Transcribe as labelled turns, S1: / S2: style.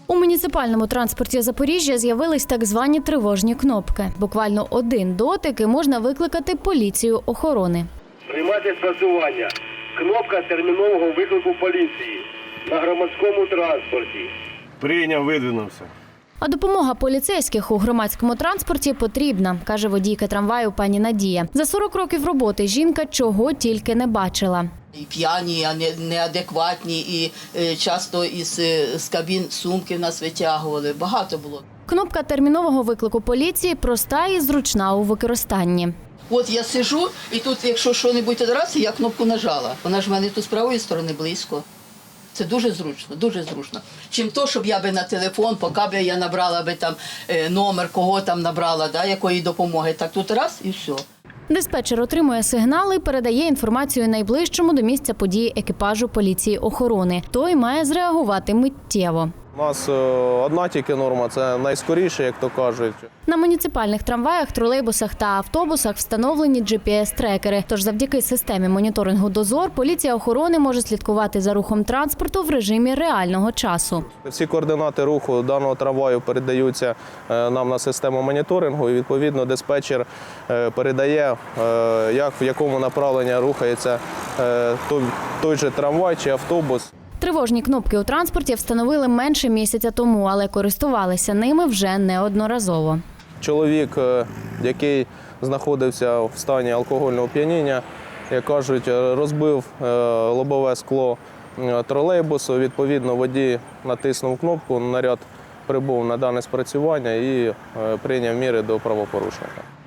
S1: У муніципальному транспорті Запоріжжя з'явились так звані тривожні кнопки. Буквально один дотик і можна викликати поліцію охорони.
S2: Приймати спрацювання. Кнопка термінового виклику поліції на громадському транспорті.
S3: Прийняв, видвинувся.
S1: А допомога поліцейських у громадському транспорті потрібна, каже водійка трамваю пані Надія. За 40 років роботи жінка чого тільки не бачила.
S4: І п'яні, а неадекватні, і часто з кабін сумки в нас витягували. Багато було.
S1: Кнопка термінового виклику поліції проста і зручна у використанні.
S4: От я сижу, і тут, якщо що-небудь одразу, я кнопку нажала. Вона ж в мене тут з правої сторони близько. Це дуже зручно, дуже зручно. Чим то, щоб я би на телефон, поки б я набрала би там номер, кого там набрала, да, якої допомоги. Так тут раз і все.
S1: Диспетчер отримує сигнали і передає інформацію найближчому до місця події екіпажу поліції охорони. Той має зреагувати миттєво.
S5: У нас одна тільки норма – це найскоріше, як то кажуть.
S1: На муніципальних трамваях, тролейбусах та автобусах встановлені GPS-трекери. Тож завдяки системі моніторингу «Дозор» поліція охорони може слідкувати за рухом транспорту в режимі реального часу.
S5: Всі координати руху даного трамваю передаються нам на систему моніторингу, і відповідно диспетчер передає, в якому направленні рухається той же трамвай чи автобус.
S1: Тривожні кнопки у транспорті встановили менше місяця тому, але користувалися ними вже неодноразово.
S5: Чоловік, який знаходився в стані алкогольного оп'яніння, як кажуть, розбив лобове скло тролейбусу. Відповідно, водій натиснув кнопку, наряд прибув на дане спрацювання і прийняв міри до правопорушника.